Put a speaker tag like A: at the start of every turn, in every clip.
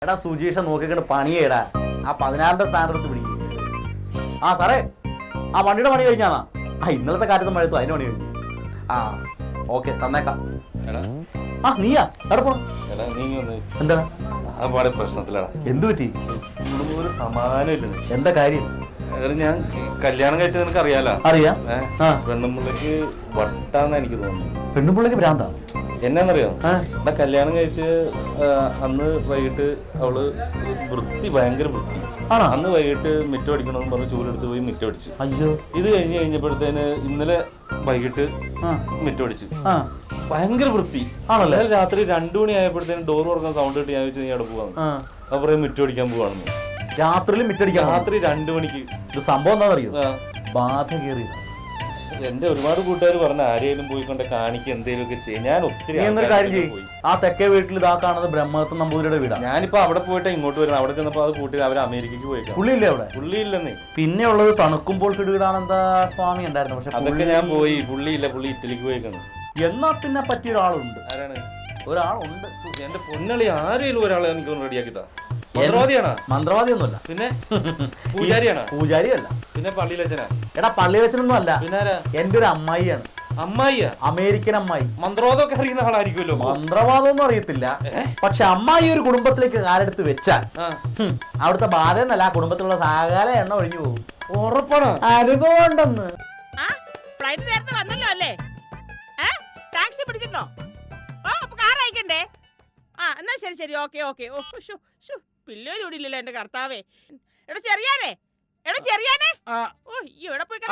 A: എടാ സുജീഷ നോക്കിക്കൊണ്ട് പണിയേടാ. ആ 16ന്റെ സ്റ്റാൻഡ് എടുത്ത് പിടിക്കും. ആ സാറേ, ആ വണ്ടിയുടെ പണി കഴിഞ്ഞാണോ? ആ ഇന്നലത്തെ കാറ്റത്ത് മഴയത്തു അതിന് പണി കഴിഞ്ഞു. ആ ഓക്കെ തന്നേക്കാം. ആ നീയാ എവിടെ പോണം? എന്താണ്
B: പ്രശ്നത്തിലാണ്?
A: എന്തു പറ്റി?
B: ഒരു സമാധാനമില്ല.
A: എന്താ കാര്യം?
B: ഞാൻ കല്യാണം കഴിച്ചത് നിനക്ക് അറിയാലോ.
A: അറിയാം.
B: പെണ്ണുമ്പിള്ളക്ക് വട്ടാന്ന് എനിക്ക് തോന്നുന്നു.
A: പെണ്ണുമ്പിള്ളക്ക് ഭ്രാന്താ?
B: എന്നാന്നറിയോ, ഇവിടെ കല്യാണം കഴിച്ച് അന്ന് വൈകിട്ട് അവള് ഭയങ്കര വൃത്തി. അന്ന് വൈകിട്ട് മിറ്റം അടിക്കണമെന്ന് പറഞ്ഞ് ചൂലെടുത്ത് പോയി മിറ്റം അടിച്ചു.
A: അയ്യോ.
B: ഇത് കഴിഞ്ഞപ്പോഴത്തേന് ഇന്നലെ വൈകിട്ട് മിറ്റം അടിച്ചു. ഭയങ്കര വൃത്തി ആണല്ലേ. രാത്രി 2 മണി ആയപ്പോഴത്തേനും ഡോർ തുറക്കാൻ സൗണ്ട് കിട്ടി. ഞാൻ വെച്ചാൽ നീ അവിടെ പോവാന്ന്. അപ്പൊ പറയും മിറ്റം അടിക്കാൻ പോവാണെന്ന്.
A: രാത്രിയിൽ മിറ്റടിക്കാൻ?
B: രാത്രി 2 മണിക്ക്.
A: ഇത് സംഭവം എന്താണെന്നറിയോ? ബാധ കയറി.
B: എന്റെ ഒരുപാട് കൂട്ടുകാർ പറഞ്ഞ ആരെയും പോയിക്കൊണ്ട് കാണിക്കുക എന്തെങ്കിലും ഒക്കെ ചെയ്യും. ഞാൻ ഒത്തിരി
A: കാര്യം ചെയ്യും. ആ തെക്കേ വീട്ടിൽ ഇതാ കാണുന്നത് ബ്രഹ്മദത്ത നമ്പൂതിരിയുടെ വീടാണ്.
B: ഞാനിപ്പോ അവിടെ പോയിട്ട് ഇങ്ങോട്ട് വരുന്നത്. അവിടെ ചെന്നപ്പോ അത് കൂട്ടി അവർ അമേരിക്കക്ക് പോയിക്കാം.
A: പുള്ളിയില്ലേ അവിടെ?
B: പുള്ളിയില്ലെന്നേ.
A: പിന്നെ ഉള്ളത് തണുക്കുമ്പോൾ കിടുകിടാണെന്താ സ്വാമി ഉണ്ടായിരുന്നു. പക്ഷെ
B: അതൊക്കെ ഞാൻ പോയി. പുള്ളിയില്ല, പുള്ളി ഇറ്റലിക്ക് പോയിക്കാണ്.
A: എന്നാ പിന്നെ പറ്റിയ ഒരാളുണ്ട്.
B: ആരാണ്?
A: ഒരാളുണ്ട്.
B: എന്റെ പൊന്നളി, ആരെങ്കിലും ഒരാളെ എനിക്ക് റെഡിയാക്കിത്താ. മന്ത്രവാദിയാണോ?
A: മന്ത്രവാദിയൊന്നുമല്ല.
B: പിന്നെ പൂജാരിയാണോ?
A: പൂജാരിയല്ല.
B: പിന്നെ പള്ളിയിലച്ചനാ?
A: എടാ പള്ളിയിലച്ചനൊന്നും അല്ല.
B: പിന്നെ
A: എന്റെ ഒരു അമ്മായിയാണ്.
B: അമ്മായിയാ?
A: അമേരിക്കൻ അമ്മായി.
B: മന്ത്രവാദമൊക്കെ അറിയുന്ന ആളായിരിക്കുമല്ലോ.
A: മന്ത്രവാദമൊന്നും അറിയത്തില്ല. പക്ഷെ അമ്മായി ഒരു കുടുംബത്തിലേക്ക് കാലെടുത്ത് വെച്ചാൽ അവിടുത്തെ ബാധ എന്നല്ല, ആ കുടുംബത്തിലുള്ള സകല എണ്ണ ഒഴിഞ്ഞു പോകും.
B: ഉറപ്പാണ്.
A: അനുഭവം ഉണ്ടെന്ന്.
C: ഫ്ലൈറ്റ് നേരത്തെ വന്നല്ലോ അല്ലേ? ടാക്സി പിടിച്ചിരുന്നോ? ഓ അപ്പൊ കാർ അയക്കണ്ടേ? ആ എന്നാ ശരി ശരി, ഓക്കെ ഓക്കെ. ഓ പിള്ളേരും ഇവിടെ ഇല്ലല്ലോ എന്റെ കർത്താവേ. എടാ ചെറിയാനേ, എടാ ചെറിയാനേ. ഓ ഇവിടെ പോയി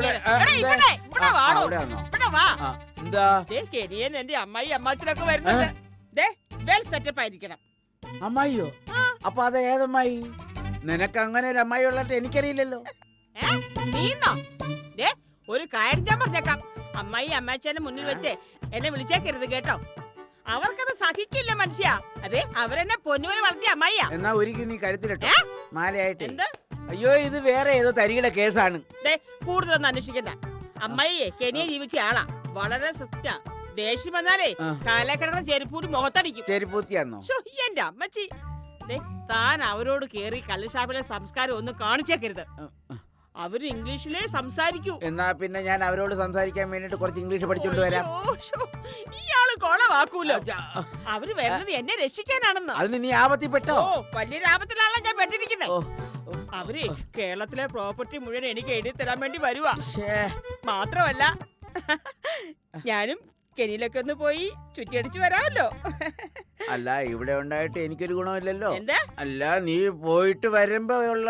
C: കെനിയെന്ന് എന്റെ അമ്മായി അമ്മാച്ചനൊക്കെ വരുന്നുണ്ട്. വെൽ സെറ്റപ്പ് ആയിരിക്കണം.
D: അമ്മായിയോ? അപ്പൊ അത് ഏതമ്മായി? നിനക്ക് അങ്ങനെ ഒരു അമ്മായി ഉള്ളിട്ട് എനിക്കറിയില്ലല്ലോ.
C: നീന്നോ? ഒരു കാര്യം ഞാൻ പറഞ്ഞേക്കാം. അമ്മായി അമ്മാച്ചന്റെ മുന്നിൽ വെച്ച് എന്നെ വിളിച്ചേക്കരുത് കേട്ടോ. അവർക്കത് സഹിക്കില്ല മനുഷ്യ. അതെ, അവരെന്നെ പൊന്നുപോലെ വളർത്തിയ അമ്മായിയാ.
D: എന്നാ ഒരിക്കലും നീ കഴുത്തിലിട്ടോ മാലയായിട്ട്.
C: എന്ത്?
D: അയ്യോ, ഇത് വേറെ ഏതോ തരികിട കേസാണ്.
C: കൂടുതലൊന്നും അന്വേഷിക്കണ്ട. അമ്മായിയെ കെനിയ ജീവിച്ച ആളാ. വളരെ സ്ട്രിക്റ്റാ. ദേഷ്യം വന്നാലേ കാലക്കിടന്ന ചെരുപ്പൂടി മുഖത്തടിക്കും.
D: ചെരുപ്പൂത്തിയാന്നോ?
C: എന്റെ അമ്മച്ചി, താൻ അവരോട് കേറി കള്ളുഷാപ്പിലെ സംസ്കാരം ഒന്നും കാണിച്ചേക്കരുത്. അവര് ഇംഗ്ലീഷിലേ സംസാരിക്കൂ.
D: എന്നാ പിന്നെ ഞാൻ അവരോട് സംസാരിക്കാൻ വേണ്ടിട്ട് കുറച്ച് ഇംഗ്ലീഷ് പഠിച്ചോണ്ട് വരാം.
C: ഇയാള് കൊളവാക്കൂലോ. അവര് വരുന്നത് എന്നെ രക്ഷിക്കാനാണെന്ന്.
D: അതിന് നീ ആപത്തിപ്പെട്ടോ?
C: വലിയൊരു ആപത്തിലാണല്ലോ ഞാൻ പെട്ടിരിക്കുന്നത്. അവര് കേരളത്തിലെ പ്രോപ്പർട്ടി മുഴുവൻ എനിക്ക് എഴുതി തരാൻ വേണ്ടി വരുവാ. മാത്രമല്ല ഞാനും കെനിയിലൊക്കെ ഒന്ന് പോയി ചുറ്റിയടിച്ചു വരാമല്ലോ.
D: അല്ല, ഇവിടെ ഉണ്ടായിട്ട് എനിക്കൊരു ഗുണമില്ലല്ലോ.
C: എന്താ?
D: അല്ല, നീ പോയിട്ട് വരുമ്പോ ഉള്ള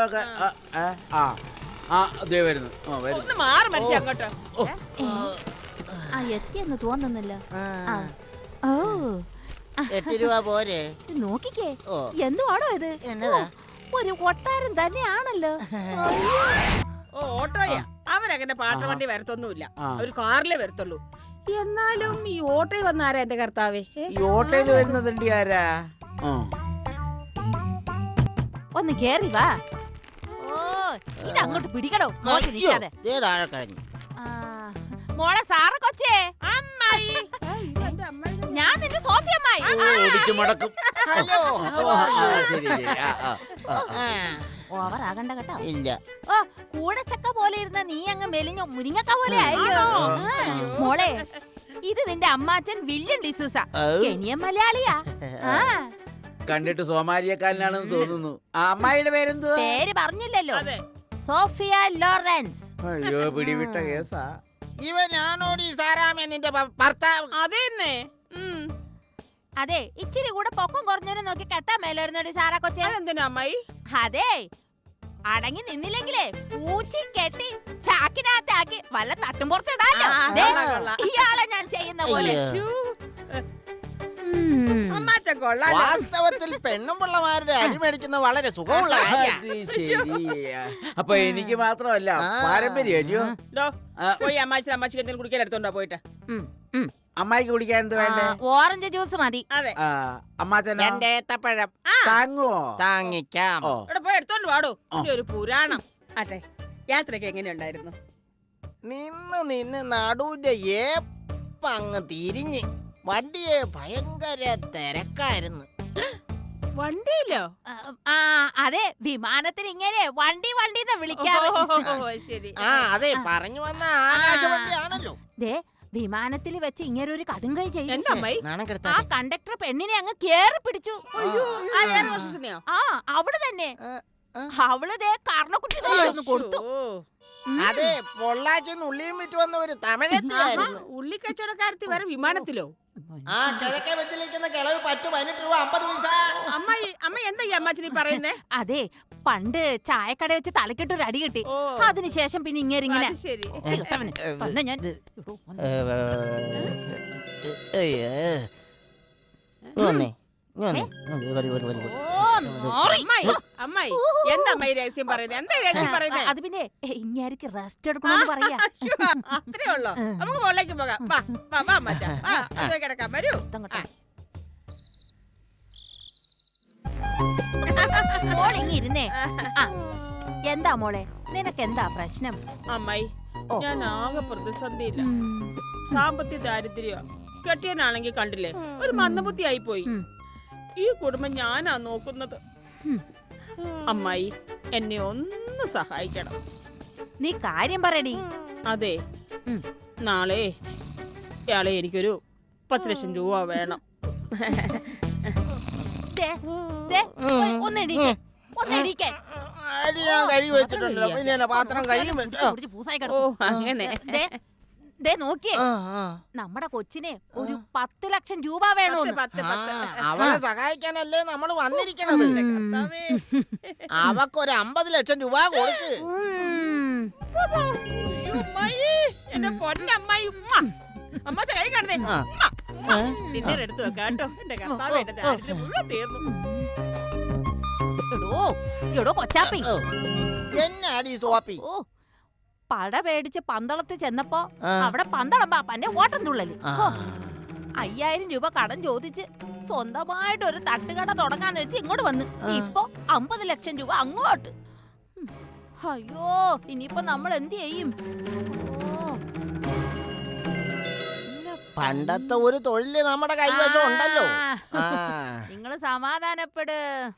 D: വരുന്നു.
C: ഒന്ന് മാറി മനുഷ്യ അങ്ങോട്ട്.
E: എത്തിയെന്ന് തോന്നുന്നില്ല. ഓ
F: 8 രൂപ പോരെ?
E: നോക്കിക്കേ, എന്തുവാണോ ഇത്? ഒരു കൊട്ടാരം തന്നെയാണല്ലോ.
C: ഓട്ടോയാ? അവരങ്ങനെ പാട്ട വണ്ടി വരത്തൊന്നുമില്ല. ഒരു കാറിലേ വരത്തുള്ളൂ. എന്നാലും ഈ ഓട്ടോയിൽ വന്ന ആരാ എന്റെ കർത്താവേ?
D: ഈ ഓട്ടോയിൽ വരുന്നത് ആരാ?
E: ഒന്ന് കേറി വാ. ഓ ഇതങ്ങോട്ട് പിടിക്കടോ. നോക്കി നിൽക്കാതെ. മോളെ സാറ കൊച്ചേ. അമ്മായി, ഞാൻ നിന്റെ സോഫി അമ്മായി. ഓവറാകണ്ട കേട്ടോ.
F: ഇല്ല.
E: ഓ കൂടച്ചക്ക പോലെ ഇരുന്ന നീ അങ്ങ് മെലിഞ്ഞു മുരിങ്ങക്ക പോലെ ആയല്ലോ. മോളെ, ഇത് നിന്റെ അമ്മാച്ചൻ വില്യം ഡിസൂസ. കെനിയൻ മലയാളിയാ.
D: കണ്ടിട്ട് സോമാലിയക്കാരനാണെന്ന് തോന്നുന്നു. ആ അമ്മായിയുടെ പേരെന്തുവാ?
E: പേര് പറഞ്ഞില്ലല്ലോ. Sophia Lawrence.
D: അയ്യോ, പിടിവിട്ട കേസാ.
F: ഇവനാണോടി സാറാമേ നിന്റെ ഭർത്താവ്?
C: അതെന്നെ.
E: അതെ, ഇച്ചിരി കൂടെ പൊക്കം കുറഞ്ഞവനെ നോക്കി കെട്ടാൻ മേലായിരുന്നോടി സാറാ കൊച്ചേ.
C: എന്തിനാ അമ്മായി?
E: അതെ, അടങ്ങി നിന്നില്ലെങ്കിലേ പൂച്ചി കെട്ടി ചാക്കിനകത്താക്കി വല്ല തട്ടും പുറത്തിടാലോ. ഇയാളെ ഞാൻ ചെയ്യുന്ന പോലെ.
F: വാസ്തവത്തിൽ പെണ്ണും പിള്ളമാരുടെ അടിമേടിക്കുന്ന വളരെ സുഖമുള്ള
D: അപ്പൊ എനിക്ക് മാത്രമല്ല പാരമ്പര്യമല്ലോ.
C: പോയി അമ്മാച്ചി എന്തെങ്കിലും കുടിക്കാൻ എടുത്തോണ്ടോ പോയിട്ട്.
D: അമ്മായിക്ക് കുടിക്കാൻ എന്ത് വേണ്ടേ?
E: ഓറഞ്ച് ജ്യൂസ് മതി.
C: അതെ.
D: അമ്മാച്ചൻ
F: ഏത്തപ്പഴം
D: താങ്ങുവോ?
F: താങ്ങിക്കാം.
C: ഇവിടെ പോയി എടുത്തോണ്ട് വാടോ. ഒരു പുരാണം. ആട്ടെ, യാത്രയൊക്കെ എങ്ങനെയുണ്ടായിരുന്നു?
F: നിന്ന് നടുവിന്റെ ഏപ്പങ്ങ് തിരിഞ്ഞ് വണ്ടിയെ ഭയങ്കര തിരക്കായിരുന്നു.
C: വണ്ടിയിലോ?
E: ആ അതെ, വിമാനത്തിന് ഇങ്ങനെ വണ്ടി വണ്ടിന്ന് വിളിക്കാറ്.
C: ഓ, ശരി.
F: ആ അതെ പറഞ്ഞു വന്ന ആകാശവണ്ടിയാണല്ലോ.
E: ദേ വിമാനത്തിൽ വെച്ച് ഇങ്ങനെ ഒരു കടുങ്കൈ ചെയ്തു.
C: എന്താ അമ്മായി?
F: നാണം
E: ആ
F: കെടുത്താതെ.
E: കണ്ടക്ടർ പെണ്ണിനെ അങ്ങ് കേറി പിടിച്ചു.
C: ആ എയർ ഹോസ്റ്റസിനെയോ?
E: ആ അവള് തന്നെ.
F: ആ.
E: അവള് ദേ കർണക്കുട്ടി ഒന്ന് കൊടുത്തു.
C: ഓ,
F: അതെ, പൊള്ളാച്ചിന് ഉള്ളിയും വിറ്റ് വന്ന ഒരു തമിഴത്തിയായിരുന്നു.
C: ഉള്ളി കച്ചവടക്കാരത്തി വരെ വിമാനത്തിലോ?
F: ആ കിഴക്കേ വെച്ചിലിരിക്കുന്ന കിളവ് 18 രൂപ 50 പൈസ.
C: അമ്മ എന്താ ഈ അമ്മാച്ചനി പറയുന്നേ?
E: അതെ, പണ്ട് ചായക്കട വെച്ച് തലക്കിട്ട് ഒരു അടി കിട്ടി.
C: ഓ,
E: അതിനുശേഷം പിന്നെ ഇങ്ങനെ
C: അത് ശരി.
E: കിട്ടവന്. വന്ന് ഞാൻ ഓ, നോറി.
C: അമ്മായി എന്താ അമ്മായി രഹസ്യം പറയുന്നത്? എന്താ രഹസ്യം പറയുന്നത്?
E: അത് പിന്നെ ഇങ്ങാർക്ക് റെസ്റ്റ് എടുക്കണമെന്ന് പറയാ.
C: അത്രേ ഉള്ളോ? നമുക്ക് മുകളിലേക്ക് പോകാം. വാ, വാ, വാ അമ്മാച്ചാ. വാ, പോയി കിടക്കാം. വരൂ.
E: ഇതങ്ങോട്ട്. മോൾ ഇങ്ങിരുന്നേ. ആ, എന്താ മോളെ, നിനക്ക് എന്താ പ്രശ്നം?
C: അമ്മായി,
E: ഓ.
C: ഞാൻ ആകെ പ്രതിസന്ധിയില്ല.
E: ഉം.
C: സാമ്പത്തിക ദാരിദ്ര്യ. കെട്ടിയനാണെങ്കിൽ കണ്ടില്ലേ, ഒരു മന്ദബുദ്ധി ആയി പോയി.
E: ഉം.
C: ഈ കുടുംബം ഞാനാ നോക്കുന്നത്.
E: ഉം.
C: അമ്മായി, എന്നെ ഒന്ന് സഹായിക്കണം.
E: നീ കാര്യം പറയടി.
C: അതെ,
E: ഉം.
C: നാളെ ഇയാളെ എനിക്കൊരു 10 ലക്ഷം രൂപ വേണം.
E: ദേ, ദേ, ഒന്ന് എണീക്ക്, ഒന്ന് എണീക്ക്.
F: അരി ഞാൻ കഴുകി വെച്ചിട്ടുണ്ടല്ലോ, പിന്നെ എന്നെ പാത്രം കഴുകി വെച്ചു.
E: കുടിച്ച് പൂസായി
C: ഓ,
E: കിടക്കും.
C: അങ്ങനെ.
E: ദേ, ദേ നോക്കിയേ,
F: ആ, ആ.
E: നമ്മുടെ കൊച്ചിനെ ഒരു 10 ലക്ഷം രൂപ വേണോന്ന്.
C: 10.
F: അവളെ സഹായിക്കാനല്ലേ നമ്മൾ വന്നിരിക്കണത്.
C: കർത്താവേ.
F: അവക്കൊരു 50 ലക്ഷം രൂപ കൊടുക്ക്.
E: ഉം.
C: അയ്യോ, അമ്മായി, എന്റെ പൊന്നമ്മായി. ഉമ്മ. അമ്മ കൈ കാണുന്നേ.
F: ആ.
C: ഉമ്മ, ഉമ്മ. ഡിന്നർ എടുത്തു വെക്കാം കേട്ടോ. എന്റെ കർത്താവേ, എന്റെ ദാരിദ്ര്യം മുഴുവൻ തീർന്നു.
E: എടോ, എടോ കൊച്ചാപ്പി.
F: ഓ, എന്നാടി സോപ്പി?
E: ഓ, പട പേടിച്ച് പന്തളത്ത് ചെന്നപ്പോ
F: ആ.
E: അവിടെ പന്തളം പാപ്പാന്റെ ഓട്ടം തുള്ളല്.
F: ആ.
E: ഹോ, 5000 രൂപ കടം ചോദിച്ച് സ്വന്തമായിട്ട് ഒരു തട്ടുകട തുടങ്ങാന്ന് വെച്ച് ഇങ്ങോട്ട് വന്ന്. ഇപ്പൊ 50 ലക്ഷം രൂപ അങ്ങോട്ട്. ഉം. അയ്യോ, ഇനിയിപ്പോ നമ്മൾ എന്ത് ചെയ്യും? ഓ.
F: പണ്ടത്തെ ഒരു തൊഴില് നമ്മുടെ കൈവശം ഉണ്ടല്ലോ. ആ.
E: നിങ്ങള് സമാധാനപ്പെട്.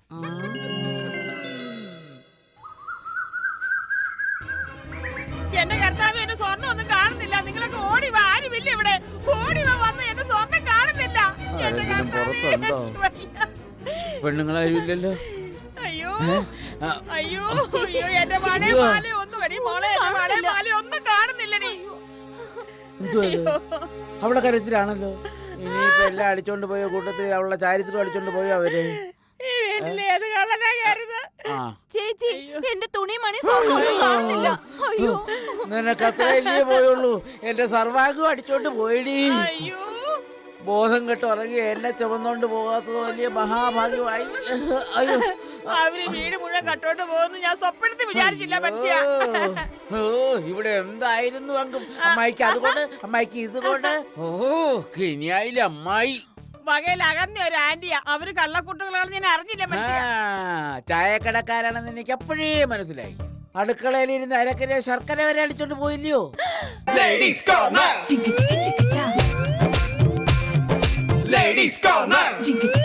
C: എന്റെ കർത്താവ്, എന്റെ സ്വർണ്ണം ഒന്നും കാണുന്നില്ല. നിങ്ങളൊക്കെ ഓടി വാ. ആരുമില്ല ഇവിടെ. ഓടി വാ, വന്ന് എന്റെ സ്വർണ്ണം കാണുന്നില്ല. എന്റെ
D: ആരെങ്കിലും
C: കർത്താവേ,
D: പുറത്തുണ്ടോ?
C: എനിക്ക് വയ്യ.
D: പെണ്ണുങ്ങളാരും ഇല്ലല്ലോ.
C: അയ്യോ,
D: ആ,
C: അയ്യോ,
E: ചേച്ചി,
C: അയ്യോ, എന്റെ വളെ
D: ചേച്ചി.
C: മാല ഒന്നും വരി. മോളെ, എന്റെ വളെ മാല ഒന്നും കാണുന്നില്ലടി.
D: എന്തുവാ ഇത്? അവളെ കരച്ചിലാണല്ലോ. ഇനിയിപ്പോ എല്ലാം അടിച്ചോണ്ട് പോയ കൂട്ടത്തിൽ അവളുടെ ചാരിത്രം അടിച്ചോണ്ട് പോയോ അവര്?
C: ഈ വീട്ടിൽ ഏത് കള്ളനാ കയറുന്നത്?
D: ആ,
E: ചേച്ചി, എന്റെ തുണി മണി സ്വർണ്ണം കാണുന്നില്ല. അയ്യോ,
D: നിനക്ക് അത്രയല്ലേ പോയുള്ളൂ. എന്റെ സർവാംഗം അടിച്ചോണ്ട് പോയിടി.
C: അയ്യോ,
D: ബോധം കെട്ട് ഉറങ്ങി എന്നെ ചുമന്നോണ്ട് പോകാത്തത് വലിയ മഹാഭാഗ്യമായി. അയ്യോ,
C: അവര് വീട് മുഴുവൻ കട്ടോണ്ട് പോകുന്നു ഞാൻ സ്വപ്നത്തിൽ വിചാരിച്ചില്ല മനുഷ്യ.
D: ഓ, ഇവിടെ എന്തായിരുന്നു അങ്കും? അമ്മായിക്ക് അതുകൊണ്ട്, അമ്മായിക്ക് ഇതുകൊണ്ട്. ഓ, കിനിയായില്ല അമ്മായി.
C: വകയിൽ അകന്ന ഒരു ആന്റിയാ. അവര് കള്ളക്കൂട്ടുകളാണെന്ന് ഞാൻ അറിഞ്ഞില്ല
D: ആ,
C: മനുഷ്യ.
D: ചായക്കടക്കാരാണെന്ന് എനിക്ക് അപ്പോഴേ മനസ്സിലായി. അടുക്കളയിൽ ഇരുന്ന് അരക്കര ശർക്കര വരെ അടിച്ചോണ്ട് പോയില്ലയോ?
G: Ladies Corner! Ladies Corner!